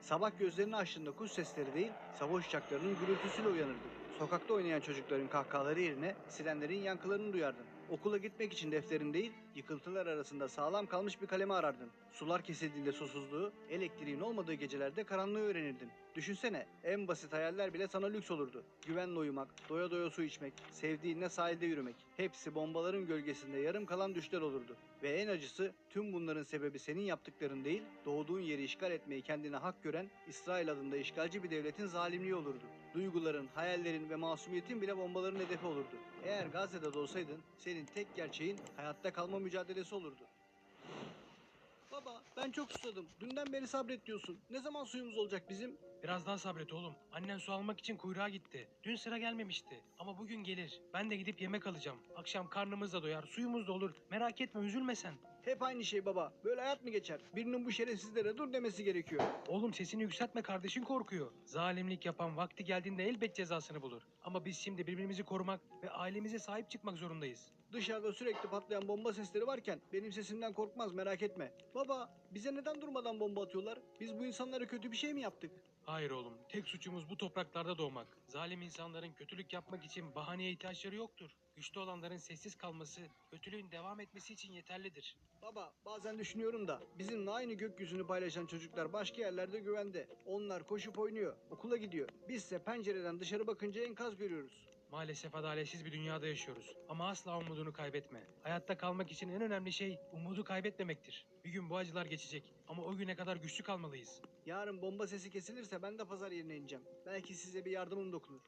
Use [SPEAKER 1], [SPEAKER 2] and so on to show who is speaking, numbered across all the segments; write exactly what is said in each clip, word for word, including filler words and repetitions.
[SPEAKER 1] Sabah gözlerini açtığında kuş sesleri değil, savaş uçaklarının gürültüsüyle uyanırdın. Sokakta oynayan çocukların kahkahaları yerine sirenlerin yankılarını duyardın. Okula gitmek için defterin değil, yıkıntılar arasında sağlam kalmış bir kalemi arardın. Sular kesildiğinde susuzluğu, elektriğin olmadığı gecelerde karanlığı öğrenirdin. Düşünsene, en basit hayaller bile sana lüks olurdu. Güvenle uyumak, doya doya su içmek, sevdiğinle sahilde yürümek. Hepsi bombaların gölgesinde yarım kalan düşler olurdu. Ve en acısı, tüm bunların sebebi senin yaptıkların değil, doğduğun yeri işgal etmeyi kendine hak gören İsrail adında işgalci bir devletin zalimliği olurdu. Duyguların, hayallerin ve masumiyetin bile bombaların hedefi olurdu. Eğer Gazze'de doğsaydın, senin tek gerçeğin hayatta kalma mücadelesi olurdu. Baba, ben çok susadım. Dünden beri sabret diyorsun. Ne zaman suyumuz olacak bizim?
[SPEAKER 2] Biraz daha sabret oğlum. Annen su almak için kuyruğa gitti. Dün sıra gelmemişti. Ama bugün gelir. Ben de gidip yemek alacağım. Akşam karnımız da doyar, suyumuz da olur. Merak etme, üzülme sen.
[SPEAKER 1] Hep aynı şey baba. Böyle hayat mı geçer? Birinin bu şerefsizlere dur demesi gerekiyor.
[SPEAKER 2] Oğlum sesini yükseltme, kardeşin korkuyor. Zalimlik yapan vakti geldiğinde elbet cezasını bulur. Ama biz şimdi birbirimizi korumak ve ailemize sahip çıkmak zorundayız.
[SPEAKER 1] Dışarıda sürekli patlayan bomba sesleri varken benim sesimden korkmaz, merak etme. Baba, bize neden durmadan bomba atıyorlar? Biz bu insanlara kötü bir şey mi yaptık?
[SPEAKER 2] Hayır oğlum, tek suçumuz bu topraklarda doğmak. Zalim insanların kötülük yapmak için bahaneye ihtiyaçları yoktur. Güçlü olanların sessiz kalması, kötülüğün devam etmesi için yeterlidir.
[SPEAKER 1] Baba, bazen düşünüyorum da bizimle aynı gökyüzünü paylaşan çocuklar başka yerlerde güvende. Onlar koşup oynuyor, okula gidiyor. Bizse pencereden dışarı bakınca enkaz görüyoruz.
[SPEAKER 2] Maalesef adaletsiz bir dünyada yaşıyoruz. Ama asla umudunu kaybetme. Hayatta kalmak için en önemli şey umudu kaybetmemektir. Bir gün bu acılar geçecek ama o güne kadar güçlü kalmalıyız.
[SPEAKER 1] Yarın bomba sesi kesilirse ben de pazar yerine ineceğim. Belki size bir yardımım dokunur.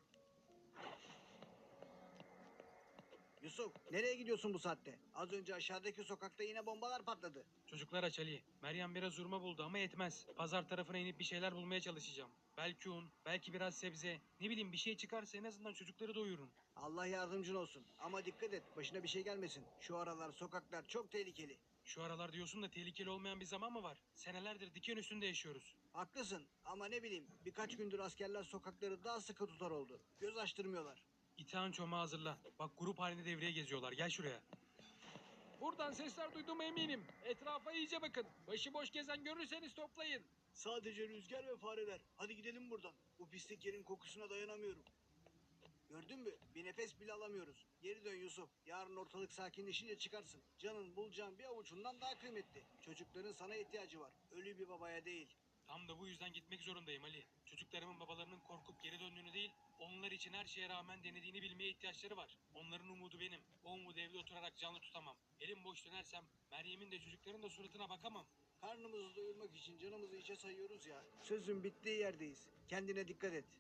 [SPEAKER 1] Yusuf, nereye gidiyorsun bu saatte? Az önce aşağıdaki sokakta yine bombalar patladı.
[SPEAKER 2] Çocuklar aç Ali. Meryem biraz hurma buldu ama yetmez. Pazar tarafına inip bir şeyler bulmaya çalışacağım. Belki un, belki biraz sebze. Ne bileyim, bir şey çıkarsa en azından çocukları doyurun.
[SPEAKER 1] Allah yardımcın olsun. Ama dikkat et, başına bir şey gelmesin. Şu aralar sokaklar çok tehlikeli.
[SPEAKER 2] Şu aralar diyorsun da tehlikeli olmayan bir zaman mı var? Senelerdir diken üstünde yaşıyoruz.
[SPEAKER 1] Haklısın ama ne bileyim, birkaç gündür askerler sokakları daha sıkı tutar oldu. Göz açtırmıyorlar.
[SPEAKER 2] İtağın çomağı hazırla. Bak, grup halinde devreye geziyorlar. Gel şuraya. Buradan sesler duyduğuma eminim. Etrafa iyice bakın. Başıboş gezen görürseniz toplayın.
[SPEAKER 1] Sadece rüzgar ve fareler. Hadi gidelim buradan. Bu pislik yerin kokusuna dayanamıyorum. Gördün mü? Bir nefes bile alamıyoruz. Geri dön Yusuf. Yarın ortalık sakinleşince çıkarsın. Canın bulacağın bir avucundan daha kıymetli. Çocukların sana ihtiyacı var. Ölü bir babaya değil.
[SPEAKER 2] Tam da bu yüzden gitmek zorundayım Ali. Çocuklarımın babalarının korkup geri döndüğünü değil, onlar için her şeye rağmen denediğini bilmeye ihtiyaçları var. Onların umudu benim. O umudu evde oturarak canlı tutamam. Elim boş dönersem Meryem'in de çocukların da suratına bakamam.
[SPEAKER 1] Karnımızı doyurmak için canımızı içe sayıyoruz ya. Sözün bittiği yerdeyiz. Kendine dikkat et.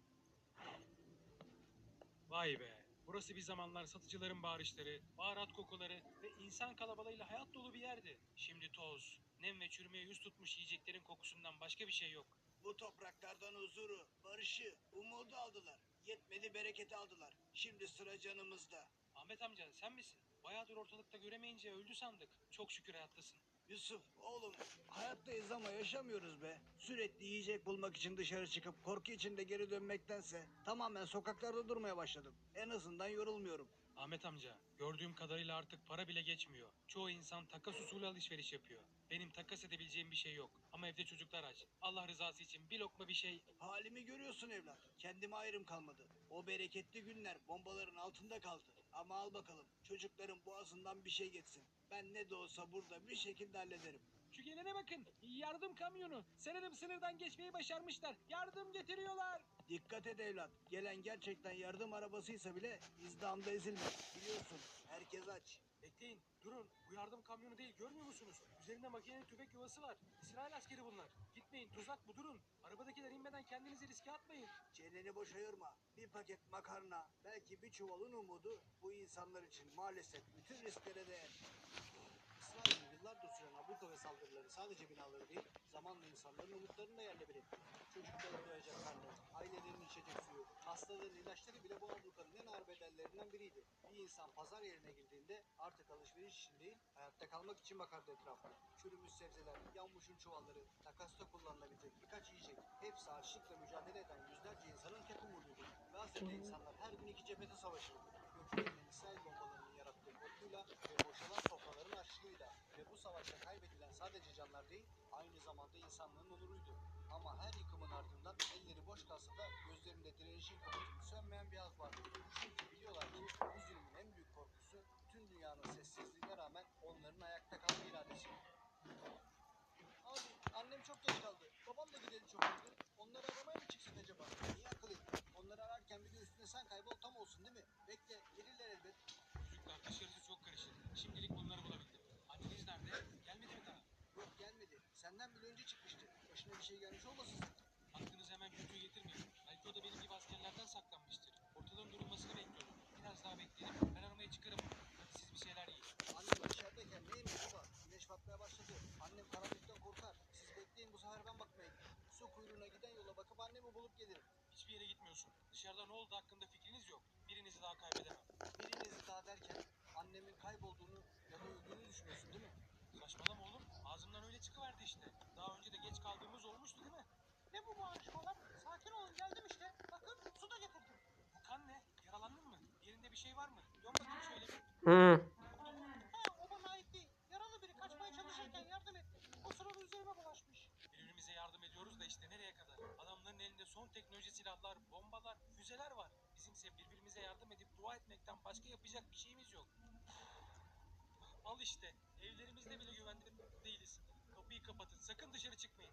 [SPEAKER 2] Vay be. Burası bir zamanlar satıcıların bağırışları, baharat kokuları ve insan kalabalığıyla hayat dolu bir yerdi. Şimdi toz, nem ve çürümeye yüz tutmuş yiyeceklerin kokusundan başka bir şey yok.
[SPEAKER 1] Bu topraklardan huzuru, barışı, umudu aldılar. Yetmedi bereketi aldılar. Şimdi sıra canımızda.
[SPEAKER 2] Ahmet amca, sen misin? Bayağıdır ortalıkta göremeyince öldü sandık. Çok şükür hayattasın.
[SPEAKER 1] Yusuf, oğlum, hayattayız ama yaşamıyoruz be. Sürekli yiyecek bulmak için dışarı çıkıp korku içinde geri dönmektense tamamen sokaklarda durmaya başladım. En azından yorulmuyorum.
[SPEAKER 2] Ahmet amca, gördüğüm kadarıyla artık para bile geçmiyor. Çoğu insan takas usulü alışveriş yapıyor. Benim takas edebileceğim bir şey yok. Ama evde çocuklar aç. Allah rızası için bir lokma bir şey...
[SPEAKER 1] Halimi görüyorsun evlat. Kendime ayrım kalmadı. O bereketli günler bombaların altında kaldı. Ama al bakalım, çocukların boğazından bir şey geçsin. Ben ne de olsa burada bir şekilde hallederim.
[SPEAKER 2] Şu gelene bakın. Yardım kamyonu. Sanırım sınırdan geçmeyi başarmışlar. Yardım getiriyorlar.
[SPEAKER 1] Dikkat et evlat. Gelen gerçekten yardım arabasıysa bile izdihamda ezilme. Biliyorsun, herkes aç.
[SPEAKER 2] Bekleyin. Durun. Bu yardım kamyonu değil. Görmüyor musunuz? Üzerinde makineli tüfek yuvası var. İsrail askeri bunlar. Gitmeyin. Tuzak bu. Durun. Arabadakiler inmeden kendinizi riske atmayın.
[SPEAKER 1] Çeneni boş ayırma. Bir paket makarna, belki bir çuvalın umudu bu insanlar için maalesef bütün risklere değer. İsrail'in yıllardır süren abluka ve saldırıları sadece binaları değil, zamanla insanların umutlarını da yerle bir etti. Çocukların doyacak karnı, ailelerin içecek suyu, hastaların ilaçları bile bu ablukanın en ağır bedellerinden biriydi. Bir insan pazar yerine girdiğinde artık alışveriş için değil, hayatta kalmak için bakardı etrafına. Çürümüş sebzeler, yanmışın çuvalları, takasta kullanılabilecek birkaç yiyecek, hepsi açlıkla mücadele eden yüzlerce insanın tek umuduydu. Gazze'de insanlar her gün iki cephede savaşırdı. Göklerinin İsrail bombalarının yarattığı korkuyla ve boşalan sofraların açlığıyla. Ve bu savaşta kaybedilen sadece canlar değil, aynı zamanda insanlığın onuruydu. Ama her yıkımın yeşil kapatın sönmeyen bir yaz var. Çünkü biliyorlar ki bu zulmün en büyük korkusu tüm dünyanın sessizliğine rağmen onların ayakta kalma iradesi. Abi annem çok geç kaldı. Babam da gideli çok oldu. Onları aramaya mı çıksak acaba? İyi akıl ettin. Onları ararken bir de üstüne sen kaybol tam olsun değil mi? Bekle gelirler elbet.
[SPEAKER 2] Çocuklar dışarısı çok karışık. Şimdilik bunları bulabildim. Anneniz nerede? Gelmedi mi daha?
[SPEAKER 1] Yok gelmedi. Senden bile önce çıkmıştı. Başına bir şey gelmiş olmasın sakın.
[SPEAKER 2] Aklınıza hemen kötüyü getirmeyin. Belki o da benim gibi askerlerden saklanmıştır. Ortalığın durulmasını bekliyorum. Biraz daha bekleyelim. Ben aramaya çıkarım. Hadi siz bir şeyler yiyin.
[SPEAKER 1] Annem içerideyken ne yemeği baba? Güneş batmaya başladı. Annem karanlıktan korkar. Siz bekleyin bu sefer ben bakmaya gideyim. Su kuyruğuna giden yola bakıp annemi bulup gelirim.
[SPEAKER 2] Hiçbir yere gitmiyorsun. Dışarıda ne oldu hakkında fikriniz yok. Birinizi daha kaybedemem.
[SPEAKER 1] Birinizi daha derken annemin kaybolduğunu ya da öldüğünü düşünüyorsun değil mi?
[SPEAKER 2] Saçmalama oğlum. Ağzımdan öyle çıkıverdi işte. Daha önce de geç kaldığımız olmuştu değil mi? Ne bu bağırışmalar? Sakin olun geldim işte. Bakın su da getirdim. Bu kan ne? Yaralandın mı? Yerinde bir şey var mı? Dön bakayım şöyle bir.
[SPEAKER 3] Hı.
[SPEAKER 2] Oldu mu? Ha, o bana ait değil. Yaralı biri kaçmaya çalışırken yardım ettim. O sırada üzerime bulaşmış. Birbirimize yardım ediyoruz da işte nereye kadar? Adamların elinde son teknoloji silahlar, bombalar, füzeler var. Bizimse birbirimize yardım edip dua etmekten başka yapacak bir şeyimiz yok. Al işte. Evlerimizde bile güvende değiliz. Kapıyı kapatın. Sakın dışarı çıkmayın.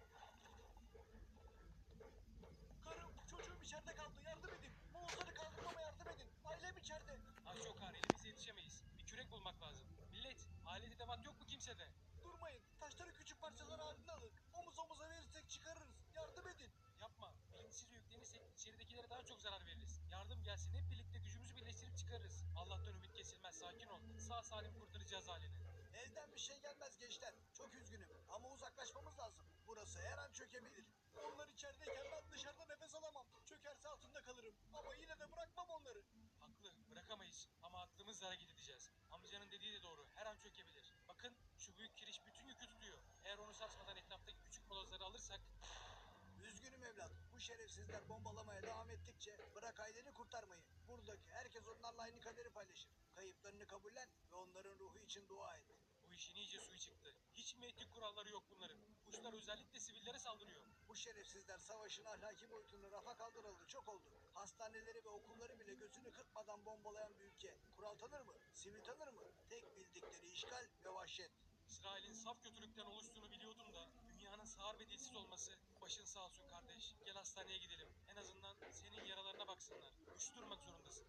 [SPEAKER 1] Karım, çocuğum içeride kaldı. Yardım edin. Moğolları kaldırmama yardım edin. Ailem içeride.
[SPEAKER 2] Taş yok har. Elimize yetişemeyiz. Bir kürek bulmak lazım. Millet, alet edevat yok mu kimsede?
[SPEAKER 1] Durmayın. Taşları küçük parçalar halinde alın. Omuz omuza verirsek çıkarırız. Yardım edin.
[SPEAKER 2] Yapma. Bilinçsizce yüklenirsek içeridekilere daha çok zarar veririz. Yardım gelsin. Hep birlikte gücümüzü birleştirip çıkarırız. Allah'tan ümit kesilmez. Sakin ol. Sağ salim kurtaracağız halini.
[SPEAKER 1] Elden bir şey gelmez gençler. Çok üzgünüm ama uzaklaşmamız lazım. Burası her an çökebilir. Onlar içerideyken ben dışarıda nefes alamam. Çökerse altında kalırım. Ama yine de bırakmam onları.
[SPEAKER 2] Haklı. Bırakamayız. Ama aklımızla hareket edeceğiz. Amcanın dediği de doğru. Her an çökebilir. Bakın şu büyük kiriş bütün yükü tutuyor. Eğer onu sarsmadan etraftaki küçük molozları alırsak
[SPEAKER 1] Üzgünüm evlat. Bu şerefsizler bombalamaya devam ettikçe bırak aileni kurtarmayı. Buradaki herkes onlarla aynı kaderi paylaşır. Kayıplarını kabullen ve onların ruhu için dua et.
[SPEAKER 2] bu işin iyice suyu çıktı. Hiç mi etik kuralları yok bunların? Kuşlar özellikle sivillere saldırıyor.
[SPEAKER 1] Bu şerefsizler savaşın ahlaki boyutunu rafa kaldıralı çok oldu. Hastaneleri ve okulları bile gözünü kırpmadan bombalayan bir ülke. Kural tanır mı? Sivil tanır mı? Tek bildikleri işgal ve vahşet.
[SPEAKER 2] İsrail'in saf kötülükten oluştuğunu biliyordum da dünyanın sağır ve dilsiz olması. Başın sağ olsun kardeş. Gel hastaneye gidelim. En azından senin yaralarına baksınlar. Güçlü durmak zorundasın.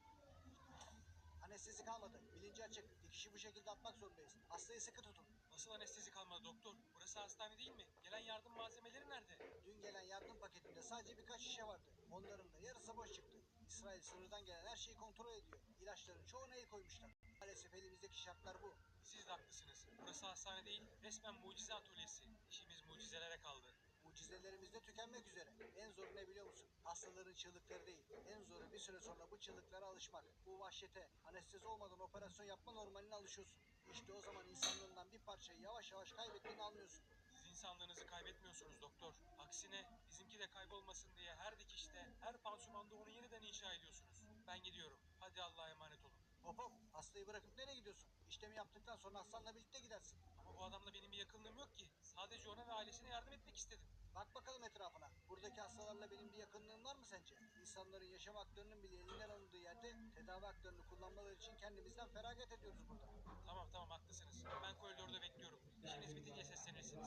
[SPEAKER 1] Anestezi kalmadı. Bilinci açık. Dikişi bu şekilde atmak zorundayız. Hastayı sıkı tutun.
[SPEAKER 2] Nasıl anestezi kalmadı doktor? Burası hastane değil mi? Gelen yardım malzemeleri nerede?
[SPEAKER 1] Dün gelen yardım paketinde sadece birkaç şişe vardı. Onların da yarısı boş çıktı. İsrail sınırdan gelen her şeyi kontrol ediyor. İlaçların çoğuna el koymuşlar. Maalesef elimizdeki şartlar bu.
[SPEAKER 2] Siz de haklısınız. Burası hastane değil, resmen mucize atölyesi. İşimiz mucizelere kaldı.
[SPEAKER 1] Mucizelerimiz de tükenmek üzere. En zoru ne biliyor musun? Hastaların çığlıkları değil. En zoru bir süre sonra bu çığlıklara alışmak. Bu vahşete, anestezi olmadan operasyon yapma normaline alışıyorsun. İşte o zaman insanlığından bir parçayı yavaş yavaş kaybettiğini anlıyorsun.
[SPEAKER 2] Siz insanlığınızı kaybetmiyorsunuz doktor. Aksine bizimki de kaybolmasın diye her dikişte, her pansumanda onu yeniden inşa ediyorsunuz. Ben gidiyorum. Hadi Allah'a emanet olun.
[SPEAKER 1] Hop hop, hastayı bırakıp nereye gidiyorsun? İşlemi yaptıktan sonra hastanla birlikte gidersin.
[SPEAKER 2] Ama bu adamla benim bir yakınlığım yok ki. Sadece ona ve ailesine yardım etmek istedim.
[SPEAKER 1] Bak bakalım etrafına. Buradaki hastalarla benim bir yakınlığım var mı sence? İnsanların yaşam haklarının bile elinden alındığı yerde tedavi haklarını kullanmaları için kendimizden feragat ediyoruz burada.
[SPEAKER 2] Tamam tamam haklısınız. Ben koridorda bekliyorum. İşiniz bitince seslenirsiniz.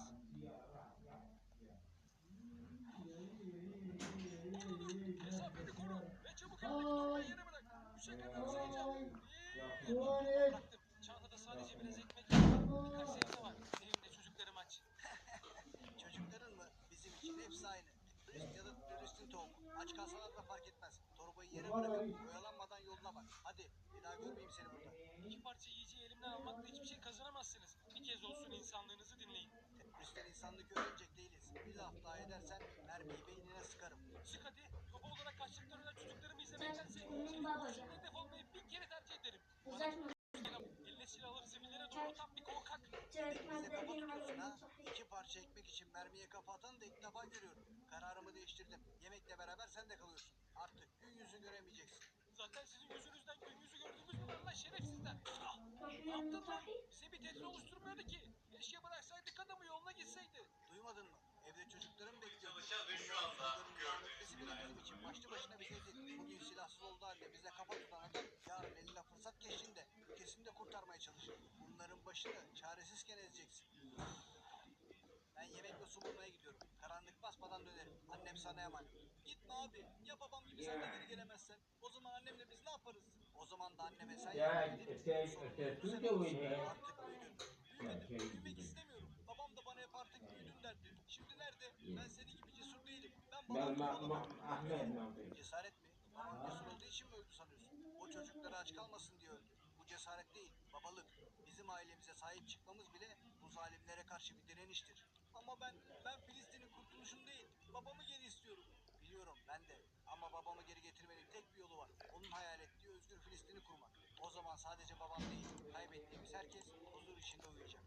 [SPEAKER 2] Dur dur dur. Mesafeni koru. Ve çabuk eldeki torbayı yere bırak. Üçe kadar sayacağım. Bir. Bıraktım. Çantada sadece biraz ekmek, birkaç sebze var. Benim de çocuklarım aç.
[SPEAKER 1] Çocukların mı? Bizim için hepsi aynı. Turist ya da turistin tohumu. Aç kalsalar da fark etmez. Torbayı yere bırakıp oyalanmadan yoluna bak. Hadi bir daha görmeyeyim seni burada.
[SPEAKER 2] İki parça yiyeceği elimden almakla hiçbir şey kazanamazsınız. Bir kez olsun insanlığınızı dinleyin.
[SPEAKER 1] Teröristler insanlık öğrenecek değiliz. Bir laf daha edersen mermiyi beynine sıkarım.
[SPEAKER 2] Sık hadi. Baba olarak kaçlıktan ölen çocuklarımı izlemektense
[SPEAKER 4] Benim
[SPEAKER 2] çelik
[SPEAKER 4] babacığım.
[SPEAKER 2] kurşunla hedef olmayı bin kere tercih ederim. Bana
[SPEAKER 4] Uzatma.
[SPEAKER 2] eline silah alıp sivillere doğru tam bir korkak.
[SPEAKER 1] Bize kafa tutuyorsun ha. İki parça ekmek için mermiye kafa atanı da ilk defa görüyorum. Kararımı değiştirdim. Yemekle beraber sen de kalıyorsun. Artık gün yüzü göremeyeceksin.
[SPEAKER 2] Zaten sizin yüzünüzden gün yüzü gördüğümüz mü var lan şerefsizler? Ah, ne yaptın lan? Bize bir tehdit oluşturmuyordu ki. Keşke bıraksaydık adamı yoluna gitseydi.
[SPEAKER 1] Duymadın mı? Evde çocuklarım bekliyor.
[SPEAKER 5] Çalışan ve şu anda gördüğünüz gibi
[SPEAKER 1] Bizim için başlı başına bir tehdit. Bugün silahsız olduğu halde bize kafa tutan adam yarın eline fırsat geçtiğinde ülkesini de kurtarmaya çalışır. Bunların başını çaresizken ezeceksin. Ben yemek ve su bulmaya gidiyorum. Karanlık basmadan dönerim. Annem sana emanet. Gitme abi. Ya babam gibi sen de geri gelemezsen? O zaman annemle biz ne yaparız? O zaman da anneme sen
[SPEAKER 3] Ya
[SPEAKER 1] yardım edip
[SPEAKER 3] este,
[SPEAKER 1] sorumluluğunu
[SPEAKER 3] este
[SPEAKER 1] sen
[SPEAKER 3] tuyo
[SPEAKER 1] alırsın.
[SPEAKER 3] güey.
[SPEAKER 1] Artık büyüdün. Büyümedim. Büyümek istemiyorum. Babam da bana hep artık büyüdün derdi. Şimdi nerede? Ben senin gibi cesur değilim. Ben
[SPEAKER 3] Ben
[SPEAKER 1] babam gibi
[SPEAKER 3] ma, ma,
[SPEAKER 1] olamadım.
[SPEAKER 3] Ahmet
[SPEAKER 1] Üzgünüm.
[SPEAKER 3] ne yapayım?
[SPEAKER 1] Cesaret mi? Babam cesur olduğu için mi öldü sanıyorsun? O çocukları aç kalmasın diye öldü. Bu cesaret değil, babalık. Bizim ailemize sahip çıkmamız bile bu zalimlere karşı bir direniştir. Ama ben, ben Filistin'in kurtuluşunu değil, babamı geri istiyorum. Biliyorum ben de. Ama babamı geri getirmenin tek bir yolu var. Onun hayal ettiği özgür Filistin'i kurmak. O zaman sadece babam değil, kaybettiğimiz herkes huzur içinde uyuyacak.